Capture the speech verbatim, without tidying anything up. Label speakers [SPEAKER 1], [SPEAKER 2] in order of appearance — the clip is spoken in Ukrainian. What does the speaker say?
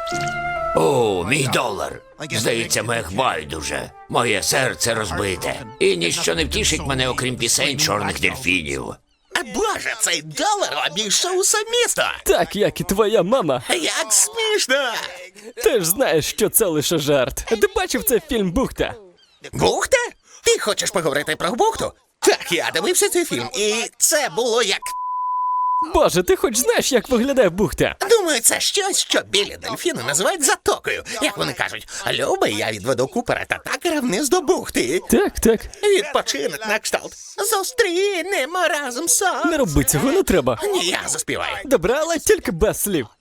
[SPEAKER 1] О, мій долар. Здається, мех байдуже. Моє серце розбите. І ніщо не втішить мене, окрім пісень чорних дельфінів.
[SPEAKER 2] А боже, цей долар обійшов усе місто.
[SPEAKER 3] Так, як і твоя мама.
[SPEAKER 2] Як смішно.
[SPEAKER 3] Ти ж знаєш, що це лише жарт. Ти бачив цей фільм «Бухта»?
[SPEAKER 2] Бухта? Ти хочеш поговорити про бухту? Так, я дивився цей фільм, і це було як...
[SPEAKER 3] Боже, ти хоч знаєш, як виглядає бухта?
[SPEAKER 2] Думаю, це щось, що білі дельфіни називають затокою. Як вони кажуть, любий, я відведу Купера та Такера вниз до бухти.
[SPEAKER 3] Так, так.
[SPEAKER 2] Відпочинок на кшталт. Зустрінемо разом сон.
[SPEAKER 3] Не роби цього, не треба.
[SPEAKER 2] Ні, я заспіваю.
[SPEAKER 3] Добре, але тільки без слів.